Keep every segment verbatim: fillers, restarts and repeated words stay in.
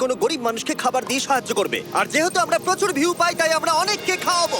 কোনো গরিব মানুষকে খাবার দিয়ে সাহায্য করবে। আর যেহেতু আমরা প্রচুর ভিউ পাই তাই আমরা অনেককে খাওয়াবো।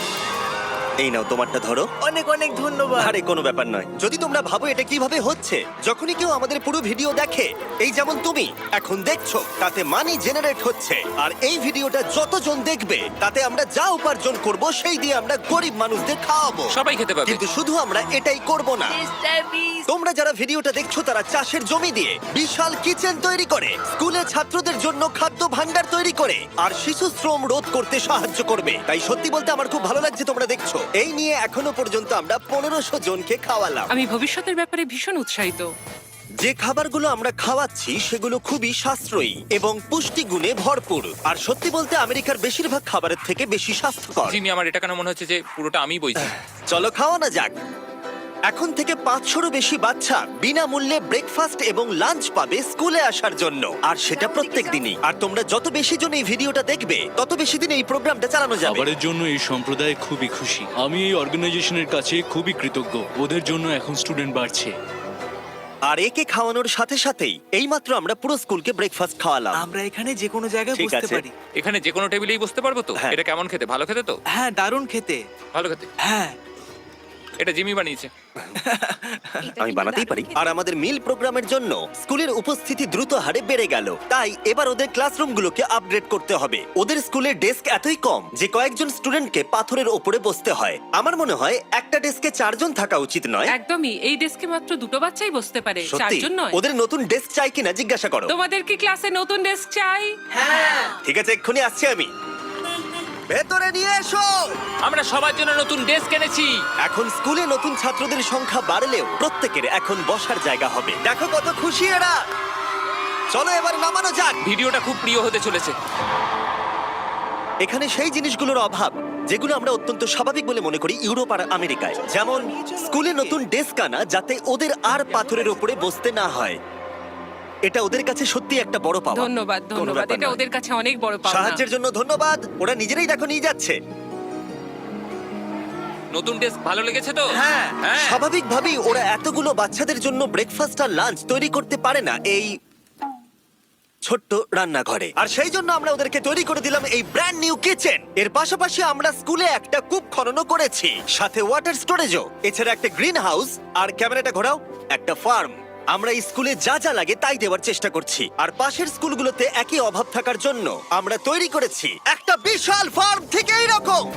এই নাও তোমারটা ধরো। অনেক অনেক ধন্যবাদ। আরে কোনো ব্যাপার নয়। যদি তোমরা ভাবো এটা কিভাবে হচ্ছে, যখনই কেউ আমাদের পুরো ভিডিও দেখে, এই যেমন তুমি এখন দেখছো, তাতে মানি জেনারেট হচ্ছে। আর এই ভিডিওটা যতজন দেখবে তাতে আমরা যা উপার্জন করব সেই দিয়ে আমরা গরিব মানুষদের খাওয়াবো। সবাই খেতে পাবে। কিন্তু শুধু আমরা এটাই করব না। তোমরা যারা ভিডিওটা দেখছো তারা চাষের জমি দিয়ে বিশাল কিচেন তৈরি করে, স্কুলে ছাত্রদের জন্য খাদ্য ভান্ডার তৈরি করে, আর শিশু শ্রম রোধ করতে সাহায্য করবে। তাই সত্যি বলতে আমার খুব ভালো লাগছে তোমরা দেখছো। এই নিয়ে এখনো পর্যন্ত আমরা পনেরোশো জনকে খাওয়ালাম। আমি ভবিষ্যতের ব্যাপারে ভীষণ উৎসাহিত। যে খাবারগুলো আমরা খাওয়াচ্ছি সেগুলো খুবই সাশ্রয়ী এবং পুষ্টিগুণে ভরপুর। আর সত্যি বলতে আমেরিকার বেশিরভাগ খাবারের থেকে বেশি স্বাস্থ্যকর। জিমি, আমার এটা কেন মনে হচ্ছে যে পুরোটা আমি বইছি। চলো খাওয়ানো যাক। এখন থেকে পাঁচশোরও বেশি বাচ্চা বিনামূল্যে ব্রেকফাস্ট এবং লাঞ্চ পাবে স্কুলে আসার জন্য, আর সেটা প্রত্যেক দিনই। আর তোমরা যত বেশি জন এই ভিডিওটা দেখবে তত বেশি দিন এই প্রোগ্রামটা চালানো যাবে। খাবারের জন্য এই সম্প্রদায় খুবই খুশি। আমি এই অর্গানাইজেশনের কাছে খুবই কৃতজ্ঞ। ওদের জন্য এখন স্টুডেন্ট বাড়ছে। আর একে খাওয়ানোর সাথে সাথেই এইমাত্র আমরা পুরো স্কুলকে ব্রেকফাস্ট খাওয়ালাম। আমরা এখানে যে কোনো জায়গায় ঠিক বসতে আছে। পারি। এখানে যে কোনো টেবিলেই বসতে পারবো তো? হ্যাঁ। এটা কেমন খেতে? ভালো খেতে তো? হ্যাঁ, দারুণ খেতে। ভালো খেতে। হ্যাঁ। এটা জিমি বানিয়েছে। আমি বানাতেই পারি। আর আমাদের মিল প্রোগ্রামের জন্য স্কুলের উপস্থিতি দ্রুত হারে বেড়ে গেল। তাই এবার ওদের ক্লাসরুমগুলোকে আপগ্রেড করতে হবে। ওদের স্কুলের ডেস্ক এতই কম যে কয়েকজন স্টুডেন্টকে পাথরের ওপরে বসতে হয়। আমার মনে হয় একটা ডেস্কে চারজন থাকা উচিত নয়। একদমই, এই ডেস্কে মাত্র দুটো বাচ্চাই বসতে পারে, সত্যি চারজন নয়। ওদের নতুন ডেস্ক চাই কিনা জিজ্ঞাসা করো। তোমাদের কি ক্লাসে নতুন ডেস্ক চাই? ঠিক আছে, এক্ষুনি আসছি আমি। ভেতরে নিয়ে এসো। আমরা সবার জন্য নতুন ডেস্ক এনেছি। এখন স্কুলে নতুন ছাত্রদের সংখ্যা বাড়লেও প্রত্যেকের এখন বসার জায়গা হবে। দেখো কত খুশি এরা। চলো এবার নামানো যাক। ভিডিওটা খুব প্রিয় হতে চলেছে। এখানে সেই জিনিসগুলোর অভাব যেগুলো আমরা অত্যন্ত স্বাভাবিক বলে মনে করি ইউরোপ আর আমেরিকায়, যেমন স্কুলে নতুন ডেস্ক আনা যাতে ওদের আর পাথরের উপরে বসতে না হয়। এটা ওদের কাছে সত্যি একটা বড় পাওয়া। ধন্যবাদ, কোনো ধন্যবাদ। ব্যাপার এটা নয়। ওদের কাছে অনেক বড় পাওনা। সাহায্যের জন্য ধন্যবাদ। ওরা নিজেরাই দেখো নিয়ে যাচ্ছে। নতুন ডেস্ক ভালো লেগেছে তো? হ্যাঁ। হ্যাঁ। স্বাভাবিকভাবেই ওরা এতগুলো বাচ্চাদের জন্য ব্রেকফাস্ট আর লাঞ্চ তৈরি করতে পারে না এই ছোট্ট রান্নাঘরে। আর সেই জন্য আমরা ওদেরকে তৈরি করে দিলাম এই ব্র্যান্ড নিউ কিচেন। এর পাশাপাশি আমরা স্কুলে একটা কূপ খননও করেছি, সাথে ওয়াটার স্টোরেজও। এছাড়া একটা গ্রিন হাউস, আর ক্যামেরাটা ঘোরাও, একটা ফার্ম। আমরা এই স্কুলে যা যা লাগে তাই দেওয়ার চেষ্টা করছি। আর পাশের স্কুলগুলোতে একই অভাব থাকার জন্য আমরা তৈরি করেছি একটা বিশাল ফার্ম থেকে এইরকম।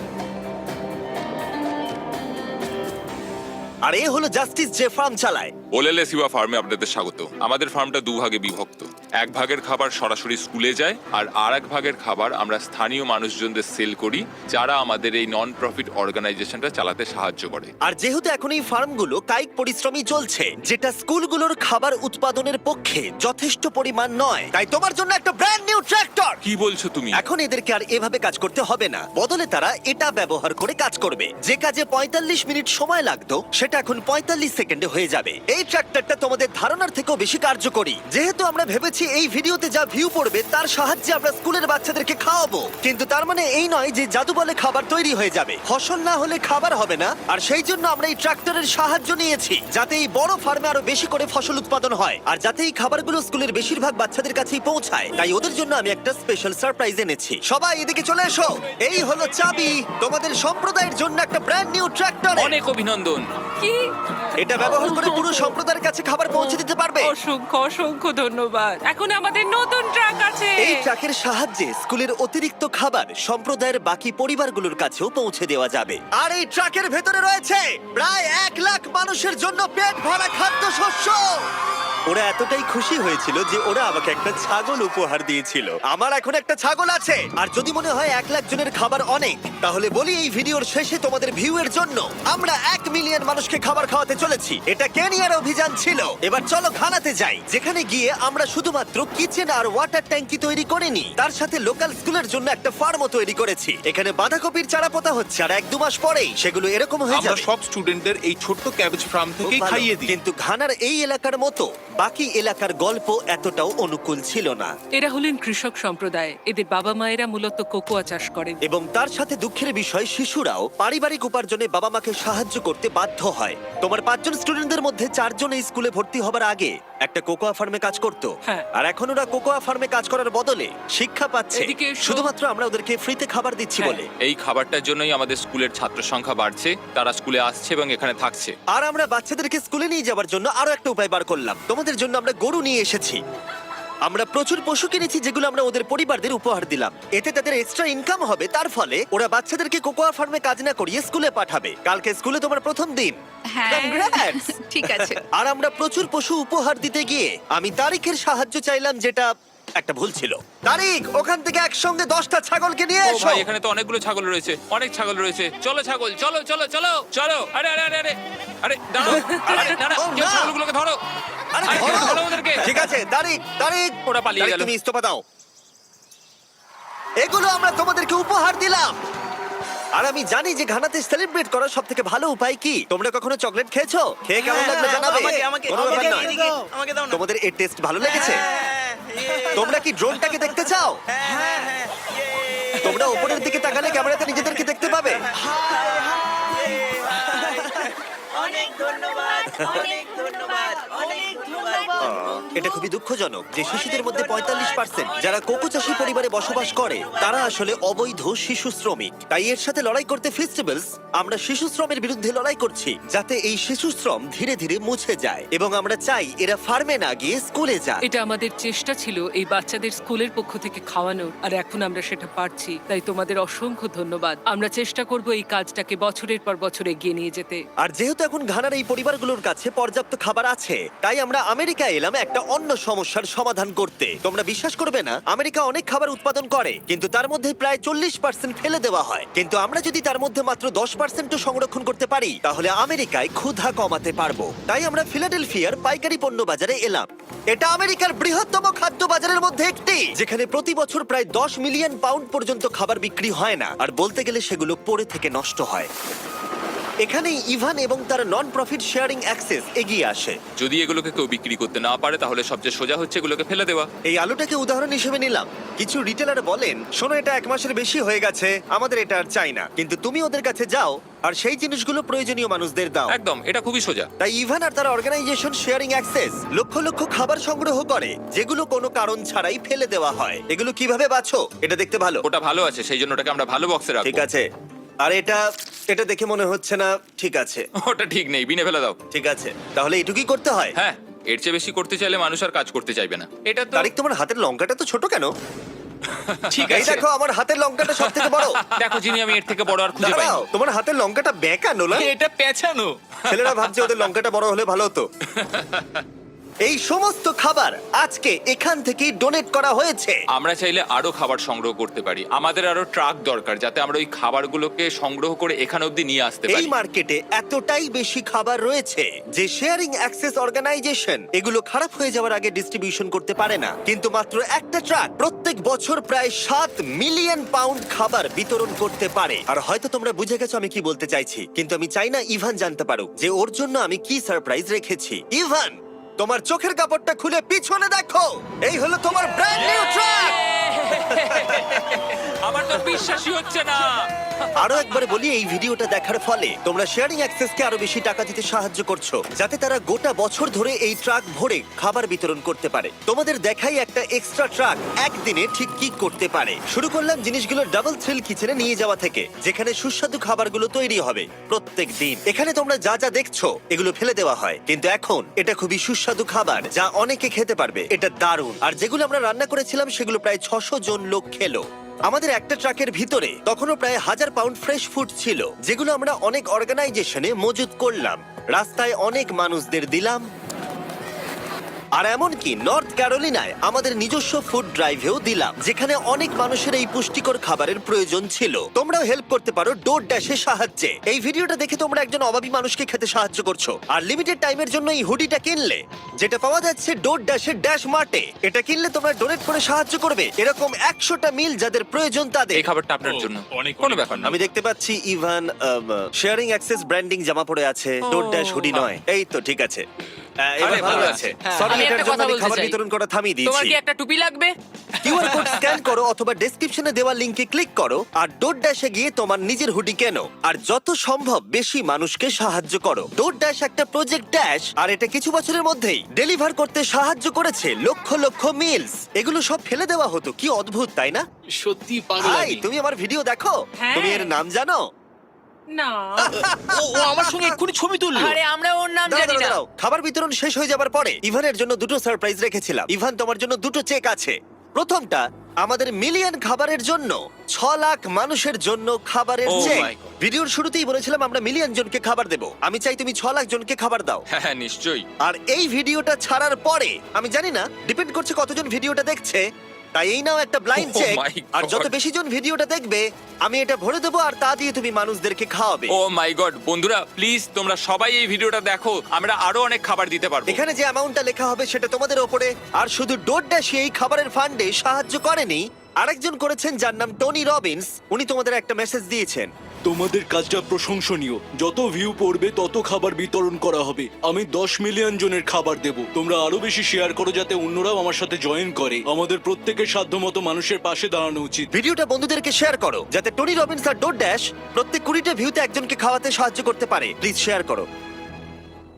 আর এ হলো জাস্টিস যে ফার্ম চালায়। ওলেলে সিবা ফার্মে আপনাদের স্বাগত। আমাদের ফার্মটা দুভাগে বিভক্ত। এক ভাগের খাবার সরাসরি স্কুলে যায়, আর আর এক ভাগের খাবার আমরা স্থানীয় মানুষজনদের সেল করি, যারা আমাদের এই নন প্রফিট অর্গানাইজেশনটা চালাতে সাহায্য করে। আর যেহেতু এখন এই ফার্মগুলো কায়িক পরিশ্রমই চলছে, যেটা স্কুলগুলোর খাবার উৎপাদনের পক্ষে যথেষ্ট পরিমাণ নয়, তাই তোমার জন্য একটা ব্র্যান্ড নিউ ট্র্যাক্টর। কি বলছো তুমি? এখন এদেরকে আর এভাবে কাজ করতে হবে না, বদলে তারা এটা ব্যবহার করে কাজ করবে। যে কাজে পঁয়তাল্লিশ মিনিট সময় লাগতো সেটা এখন পঁয়তাল্লিশ সেকেন্ডে হয়ে যাবে। এই ট্র্যাক্টরটা তোমাদের ধারণার থেকেও বেশি কার্যকরী। যেহেতু আমরা ভেবেছি এই ভিডিওতে যা ভিউ পড়বে তার সাহায্যে আমরা স্কুলের বাচ্চাদেরকে খাওয়াবো, কিন্তু তার মানে এই নয় যে জাদু বলে খাবার তৈরি হয়ে যাবে। ফসল না হলে খাবার হবে না। আর সেই জন্য আমরা এই ট্রাক্টরের সাহায্য নিয়েছি, যাতে এই বড় ফার্মে আরো বেশি করে ফসল উৎপাদন হয়, আর যাতে এই খাবারগুলো স্কুলের বেশিরভাগ বাচ্চাদের কাছেই পৌঁছায়। তাই ওদের জন্য আমি একটা স্পেশাল সারপ্রাইজ এনেছি। সবাই এদিকে চলে এসো। এই হলো চাবি তোমাদের সম্প্রদায়ের জন্য একটা ব্র্যান্ড নিউ ট্রাক্টর। অনেক অভিনন্দন। কি? এটা ব্যবহার করে পুরো সম্প্রদায়ের কাছে খাবার পৌঁছে দিতে পারবে। অসংখ্য অসংখ্য ধন্যবাদ। এখন আমাদের নতুন ট্রাক আছে। এই ট্রাকের সাহায্যে স্কুলের অতিরিক্ত খাবার সম্প্রদায়ের বাকি পরিবারগুলোর কাছেও পৌঁছে দেওয়া যাবে। আর এই ট্রাকের ভেতরে রয়েছে প্রায় এক লাখ মানুষের জন্য পেট ভরা খাদ্যশস্য। ওরা এতটাই খুশি হয়েছিল যে ওরা আমাকে একটা ছাগল উপহার দিয়েছিল। আমার এখন একটা ছাগল আছে। আর যদি মনে হয় এক লাখ জনের খাবার অনেক, তাহলে বলি এই ভিডিওর শেষে তোমাদের ভিউ এর জন্য আমরা এক মিলিয়ন মানুষকে খাবার খাওয়াতে চলেছি। এটা কেনিয়ার অভিযান ছিল। এবার চলো ঘানাতে যাই, যেখানে গিয়ে আমরা শুধুমাত্র কিচেন আর ওয়াটার ট্যাঙ্কি তৈরি করিনি, তার সাথে লোকাল স্কুলের জন্য একটা ফার্মও তৈরি করেছি। এখানে বাঁধাকপির চারা পোতা হচ্ছে, আর এক দু মাস পরেই সেগুলো এরকম হয়ে আমরা যাবে। সব স্টুডেন্টদের এই ছোট্ট ক্যাবেজ ফার্ম খুব থেকেই ভালো। খাইয়ে দিই। কিন্তু ঘানার এই এলাকার মতো বাকি এলাকার গল্প এতটাও অনুকূল ছিল না। এরা হলেন কৃষক সম্প্রদায়। এদের বাবা মায়েরা মূলত কোকোয়া চাষ করেন। এবং তার সাথে দুঃখের বিষয়, শিশুরাও পারিবারিক উপার্জনে বাবা মাকে সাহায্য করতে বাধ্য হয়। তোমার পাঁচজন স্টুডেন্টদের মধ্যে চারজন এই স্কুলে ভর্তি হবার আগে একটা কোকোয়া ফার্মে কাজ করত হ্যাঁ। আর এখন ওরা কোকোয়া ফার্মে কাজ করার বদলে শিক্ষা পাচ্ছে এদিকে এসো। শুধুমাত্র আমরা ওদেরকে ফ্রিতে খাবার দিচ্ছি হ্যাঁ। বলে। এই খাবারটার জন্যই আমাদের স্কুলের ছাত্র সংখ্যা বাড়ছে, তারা স্কুলে আসছে এবং এখানে থাকছে। আর আমরা বাচ্চাদেরকে স্কুলে নিয়ে যাওয়ার জন্য আরো একটা উপায় বার করলাম। তোমাদের জন্য আমরা গরু নিয়ে এসেছি। আমরা প্রচুর পশু কিনেছি যেগুলো আমরা ওদের পরিবারদের উপহার দিলাম। এতে তাদের এক্সট্রা ইনকাম হবে, তার ফলে ওরা বাচ্চাদেরকে কোকোয়া ফার্মে কাজ না করিয়ে স্কুলে পাঠাবে। কালকে স্কুলে তোমার প্রথম দিন। হ্যাঁ Congrats! ঠিক আছে। আর আমরা প্রচুর পশু উপহার দিতে গিয়ে আমি তারিখের সাহায্য চাইলাম, যেটা একটা ভুল ছিল। তারিখ, ওখান থেকে একসঙ্গে দশটা ছাগলকে নিয়ে ও এসো। ভাই, এখানে তো অনেকগুলো ছাগল রয়েছে, অনেক ছাগল রয়েছে। চলো ছাগল, চলো চলো চলো চলো। আরে আরে আরে আরে আরে দাঁড়াও, আরে না না, ও, কেউ না। ছাগলগুলোকে ধরো। আরে আরে, ধরো। ধরো ওদেরকে। ঠিক আছে তারিখ, তারিখ ওরা পালিয়ে তারিখ, গেল। তুমি ইস্তফা দাও। এগুলো আমরা তোমাদেরকে উপহার দিলাম। আর আমি জানি যে ঘানাতে সেলিব্রেট করার সব থেকে ভালো উপায় কি। তোমরা কখনো চকলেট খেয়েছো? খেয়ে কেমন লাগলো জানাবে। আমাকে আমাকে কোনো ব্যাপার আমাকে নয়। এদিকে, আমাকে দাও না। তোমাদের এর টেস্ট ভালো লেগেছে? হ্যাঁ, ইয়ে। তোমরা কি ড্রোনটাকে দেখতে চাও? হ্যাঁ, হ্যাঁ, হ্যাঁ, ইয়ে। তোমরা উপরের দিকে তাকালে ক্যামেরাতে নিজেদেরকে দেখতে পাবে। অনেক ধন্যবাদ, অনেক ধন্যবাদ, অনেক ধন্যবাদ। এটা খুবই দুঃখজনক যে শিশুদের মধ্যে পঁয়তাল্লিশ পার্সেন্ট যারা কোকো চাষী পরিবারে বসবাস করে তারা আসলে অবৈধ শিশু শ্রমিক। তাই এর সাথে লড়াই করতে ফেস্টিভ্যালস আমরা শিশু শ্রমের বিরুদ্ধে লড়াই করছি, যাতে এই শিশু শ্রম ধীরে ধীরে মুছে যায়। এবং আমরা চাই এরা ফার্মে না গিয়ে স্কুলে যায়। এটা আমাদের চেষ্টা ছিল এই বাচ্চাদের স্কুলের পক্ষ থেকে খাওয়ানোর, আর এখন আমরা সেটা পারছি। তাই তোমাদের অসংখ্য ধন্যবাদ। আমরা চেষ্টা করব এই কাজটাকে বছরের পর বছর এগিয়ে নিয়ে যেতে। আর যেহেতু এখন ঘানার এই পরিবারগুলোর কাছে পর্যাপ্ত খাবার আছে, তাই আমরা আমেরিকা এলাম একটা অন্য সমস্যার সমাধান করতে। তোমরা বিশ্বাস করবে না, আমেরিকা অনেক খাবার উৎপাদন করে কিন্তু তার মধ্যে প্রায় চল্লিশ পার্সেন্ট ফেলে দেওয়া হয়। কিন্তু আমরা যদি তার মধ্যে মাত্র দশ পার্সেন্ট সংরক্ষণ করতে পারি তাহলে আমেরিকায় ক্ষুধা কমাতে পারবো। তাই আমরা ফিলাডেলফিয়ার পাইকারি পণ্য বাজারে এলাম। এটা আমেরিকার বৃহত্তম খাদ্য বাজারের মধ্যে একটি, যেখানে প্রতি বছর প্রায় দশ মিলিয়ন পাউন্ড পর্যন্ত খাবার বিক্রি হয় না, আর বলতে গেলে সেগুলো পড়ে থেকে নষ্ট হয়। এখানেই ইভান এবং তার নন প্রফিট শেয়ারিং অ্যাক্সেস এগিয়ে আসে। যদি এগুলোকে কেউ বিক্রি করতে না পারে তাহলে সবচেয়ে সোজা হচ্ছে এগুলোকে ফেলে দেওয়া। এই আলুটাকে উদাহরণ হিসেবে নিলাম। কিছু রিটেলার বলেন, শোনো এটা এক মাসের বেশি হয়ে গেছে, আমাদের এটা আর চাই না। কিন্তু তুমি ওদের কাছে যাও আর সেই জিনিসগুলো প্রয়োজনীয় মানুষদের দাও। একদম, এটা খুবই সোজা। তাই ইভান আর তার অর্গানাইজেশন শেয়ারিং অ্যাক্সেস লক্ষ লক্ষ খাবার সংগ্রহ করে যেগুলো কোনো কারণ ছাড়াই ফেলে দেওয়া হয়। এগুলো কিভাবে বাছো? এটা দেখতে ভালো। ওটা ভালো আছে, সেই জন্য ওটাকে আমরা ভালো বক্সে রাখবো। ঠিক আছে। আর এটা এটা দেখে মনে হচ্ছে না ঠিক আছে। ওটা ঠিক নেই, বিনে ফেলে দাও। ঠিক আছে, তাহলে এটুকুই করতে হয়। হ্যাঁ, এর চেয়ে বেশি করতে চাইলে মানুষ আর কাজ করতে চাইবে না। এটা তো তারিক, তোমার হাতের লঙ্কাটা তো ছোট কেন? ঠিক এই আছে। দেখো, আমার হাতের লঙ্কাটা সব থেকে বড়। দেখো যিনি, আমি এর থেকে বড় আর খুঁজে পাই। দাঁড়াও, তোমার হাতের লঙ্কাটা বেঁকা নোলান। এটা পেছানো। ছেলেরা ভাবছে ওদের লঙ্কাটা বড় হলে ভালো হতো। এই সমস্ত খাবার আজকে এখান থেকেই ডোনেট করা হয়েছে। আমরা চাইলে আরো খাবার সংগ্রহ করতে পারি। আমাদের আরো ট্রাক দরকার যাতে আমরা ওই খাবারগুলোকে সংগ্রহ করে এখানে অবধি নিয়ে আসতে এই পারি। মার্কেটে এতটাই বেশি খাবার রয়েছে যে শেয়ারিং অ্যাক্সেস অর্গানাইজেশন এগুলো খারাপ হয়ে যাওয়ার আগে ডিস্ট্রিবিউশন করতে পারে না। কিন্তু মাত্র একটা ট্রাক প্রত্যেক বছর প্রায় সাত মিলিয়ন পাউন্ড খাবার বিতরণ করতে পারে। আর হয়তো তোমরা বুঝে গেছো আমি কি বলতে চাইছি, কিন্তু আমি চাই না ইভান জানতে পারুক যে ওর জন্য আমি কি সারপ্রাইজ রেখেছি। ইভান, তোমার চোখের কাপড়টা খুলে পিছনে দেখো, এই হলো তোমার ব্র্যান্ড নিউ ট্রাক। আমার তো বিশ্বাসই হচ্ছে না। আরো একবার বলি, এই ভিডিওটা দেখার ফলে তোমরা শেয়ারিং অ্যাক্সেসকে আরো বেশি টাকা দিতে সাহায্য করছো, যাতে তারা গোটা বছর ধরে এই ট্রাক ভরে খাবার বিতরণ করতে পারে। তোমাদের দেখাই একটা এক্সট্রা ট্রাক একদিনে ঠিক কি করতে পারে। শুরু করলাম জিনিসগুলো ডাবল থ্রিল কিচেনে নিয়ে যাওয়া থেকে, যেখানে সুস্বাদু খাবারগুলো তৈরি হবে প্রত্যেক দিন। এখানে তোমরা যা যা দেখছো এগুলো ফেলে দেওয়া হয়, কিন্তু এখন এটা খুবই সুস্বাদু খাবার যা অনেকে খেতে পারবে। এটা দারুণ। আর যেগুলো আমরা রান্না করেছিলাম সেগুলো প্রায় ছশো জন লোক খেলো। আমাদের একটা ট্রাকের ভিতরে তখনও প্রায় হাজার পাউন্ড ফ্রেশ ফুড ছিল, যেগুলো আমরা অনেক অর্গানাইজেশনে মজুত করলাম, রাস্তায় অনেক মানুষদের দিলাম। আর এমনকি নর্থ ক্যারোলিনায় আমাদের নিজস্ব ফুড ড্রাইভেও দিলাম, যেখানে অনেক মানুষের এই পুষ্টিকর খাবারের প্রয়োজন ছিল। তোমরাও হেল্প করতে পারো ডোর ড্যাশের সাহায্যে। এই ভিডিওটা দেখে তোমরা একজন অভাবী মানুষকে খেতে সাহায্য করছো। আর লিমিটেড টাইমের জন্য এই হুডিটা কিনলে, যেটা পাওয়া যাচ্ছে ডোর ড্যাশের ড্যাশ মার্টে, এটা কিনলে তোমরা ডোনেট করে সাহায্য করবে এরকম একশোটা মিল যাদের প্রয়োজন তাদের। এই খাবারটা আপনার জন্য। কোনো ব্যাপার না। আমি দেখতে পাচ্ছি ইভান শেয়ারিং অ্যাক্সেস ব্র্যান্ডিং জামা পরে আছে, ডোর ড্যাশ হুডি নয়। এই তো ঠিক আছে, আহ, এবার আরে, ভালো ভালো আছে। আছে। Sorry, আমি এটার একটা জন্য কথা আমি বলতে খাবার চাই। বিতরণ করা থামিয়ে তোমার দিয়েছি। কি একটা টুপি লাগবে? কিউআর কোড স্ক্যান কমেন্ট করো অথবা ডেসক্রিপশনে দেওয়া লিংকে ক্লিক করো আর ডোর ড্যাশে গিয়ে তোমার নিজের হুডি কেনো আর যত সম্ভব বেশি মানুষকে সাহায্য করো। ডোর ড্যাশ একটা প্রজেক্ট ড্যাশ আর এটা কিছু বছরের মধ্যেই ডেলিভার করতে সাহায্য করেছে লক্ষ লক্ষ মিলস। এগুলো সব ফেলে দেওয়া হতো, কি অদ্ভুত তাই না? সত্যি পাগল ভাই আমি। তুমি আমার ভিডিও দেখো, হ্যাঁ। তুমি এর নাম জানো? না ও ও আমার সঙ্গে এক্ষুনি ছবি তুললো। আরে আমরা ওর নাম দাঁড়াও, জানি দাঁড়াও, না। দাঁড়াও। খাবার বিতরণ শেষ হয়ে যাবার পরে ইভানের জন্য দুটো সারপ্রাইজ রেখেছিলাম। ইভান, তোমার জন্য দুটো চেক আছে। প্রথমটা আমাদের মিলিয়ন খাবারের জন্য ছ লাখ মানুষের জন্য খাবারের Oh চেক। my God. ভিডিওর শুরুতেই বলেছিলাম আমরা মিলিয়ন জনকে খাবার দেব। আমি চাই তুমি ছ লাখ জনকে খাবার দাও। হ্যাঁ হ্যাঁ নিশ্চয়ই। আর এই ভিডিওটা ছাড়ার পরে আমি জানি না, ডিপেন্ড করছে কতজন ভিডিওটা দেখছে, তাই এই নাও একটা ব্লাইন্ড Oh চেক। my আর যত God. বেশি জন ভিডিওটা দেখবে আমি এটা ভরে দেবো আর তা দিয়ে তুমি মানুষদেরকে খাওয়াবে। ও মাই গড, বন্ধুরা প্লিজ তোমরা সবাই এই ভিডিওটা দেখো, আমরা আরো অনেক খাবার দিতে পারবো। এখানে যে অ্যামাউন্টটা লেখা হবে সেটা তোমাদের ওপরে। আর শুধু ডোর ড্যাশই এই খাবারের ফান্ডে সাহায্য করেনি, আরেকজন করেছেন যার নাম টনি রবিন্স। উনি তোমাদের একটা মেসেজ দিয়েছেন। তোমাদের কাজটা প্রশংসনীয়। যত ভিউ পড়বে তত খাবার বিতরণ করা হবে। আমি দশ মিলিয়ন জনের খাবার দেব। তোমরা আরো বেশি শেয়ার করো যাতে অন্যরাও আমার সাথে জয়েন করে। আমাদের প্রত্যেকের সাধ্যমতো মানুষের পাশে দাঁড়ানো উচিত। ভিডিওটা বন্ধুদেরকে শেয়ার করো যাতে টনি রবিন্স আর ডোর ড্যাশ প্রত্যেক কুড়িটা ভিউতে একজনকে খাওয়াতে সাহায্য করতে পারে। প্লিজ শেয়ার করো।